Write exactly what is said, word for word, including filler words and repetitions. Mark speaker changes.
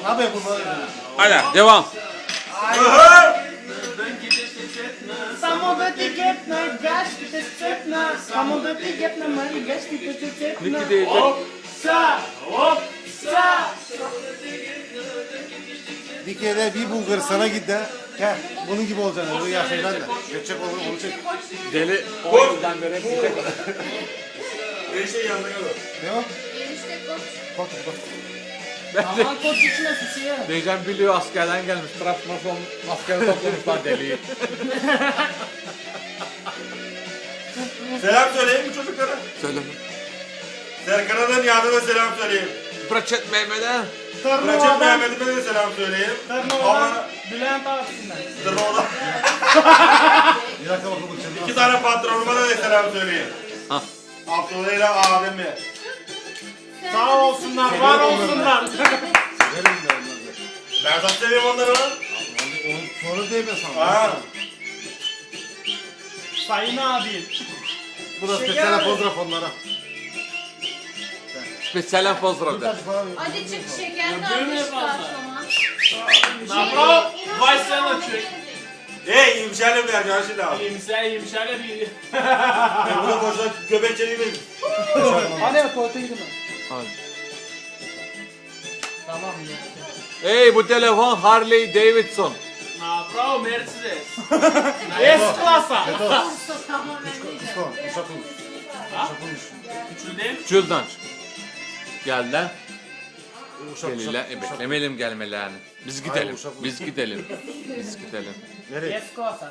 Speaker 1: Ne yapayım bunları?
Speaker 2: Hadi devam.
Speaker 3: Samolda tiketna, gaş tiketna, samolda tiketna, mari gaş tiketna.
Speaker 2: Niki diyecek.
Speaker 3: Sa, hop, sa.
Speaker 1: Bir kere bir Bulgaristan'a git de. Gel. Bunun gibi olacaksın. Bunu yaşayacaksın da. Geçecek olur. Onu çek.
Speaker 2: Deli on yıldan beri bir tek.
Speaker 4: Enişte yanına gel.
Speaker 1: Ne o?
Speaker 5: Enişte koç.
Speaker 1: Bak bak.
Speaker 3: Aman koç içine sıçıyor.
Speaker 2: Diyeceğim biliyor askerden gelmiş. Trabzonspor askeri toplamışlar deliği.
Speaker 4: Selam söyleyeyim mi çocuklara?
Speaker 2: Söyle.
Speaker 4: Serkan'a da Nihat'a da selam söyleyeyim.
Speaker 2: Bırakçet Mehmet'e.
Speaker 4: Bırakın
Speaker 3: Tırnova'dan,
Speaker 4: Mehmet'ime de selam söyleyeyim.
Speaker 3: Tırnova'dan, Bülent abisinden.
Speaker 4: Tırnova'da
Speaker 1: Bir dakika bakalım. Çabuk.
Speaker 4: iki tane patronuma da selam söyleyeyim.
Speaker 2: Ha.
Speaker 4: Abdullah ile abimi.
Speaker 3: Sağ olsunlar, var olsunlar.
Speaker 1: Verin de onları.
Speaker 4: Ben çok seviyorum onları lan.
Speaker 1: Onu sonra değil mi sana?
Speaker 4: Ha.
Speaker 3: Sayın abi.
Speaker 1: Bu da
Speaker 3: Şeker
Speaker 1: spesiyel
Speaker 3: mi?
Speaker 1: fotoğraf onlara.
Speaker 2: Spesiyalen pozdravda.
Speaker 5: Hadi çık şekerli
Speaker 3: Öldürme
Speaker 5: almış
Speaker 3: fazla.
Speaker 5: karşıma.
Speaker 3: Napra, vay sen açıyor.
Speaker 4: Hey imşerle bir arkadaşı da abi.
Speaker 3: İyimser, iyimserle bir.
Speaker 4: Ben buna boşuna göbek çeliği mi?
Speaker 3: Hadi tuvalete gidin.
Speaker 2: Hadi.
Speaker 3: Tamam.
Speaker 2: Hey bu telefon Harley Davidson.
Speaker 3: Napra, Mercedes. S-klasa.
Speaker 5: Tamamen değil.
Speaker 1: Tamam. Uşak olmuş.
Speaker 3: Ha?
Speaker 1: Uşak olmuş.
Speaker 3: Üçünden.
Speaker 2: Şuradan. Geldiler.
Speaker 1: Uşak
Speaker 2: Geliler. E, beklemeyelim gelmelerini. Biz gidelim.
Speaker 1: uşak-
Speaker 2: Biz gidelim. Biz gidelim.
Speaker 1: Nereye?
Speaker 3: S-klasa.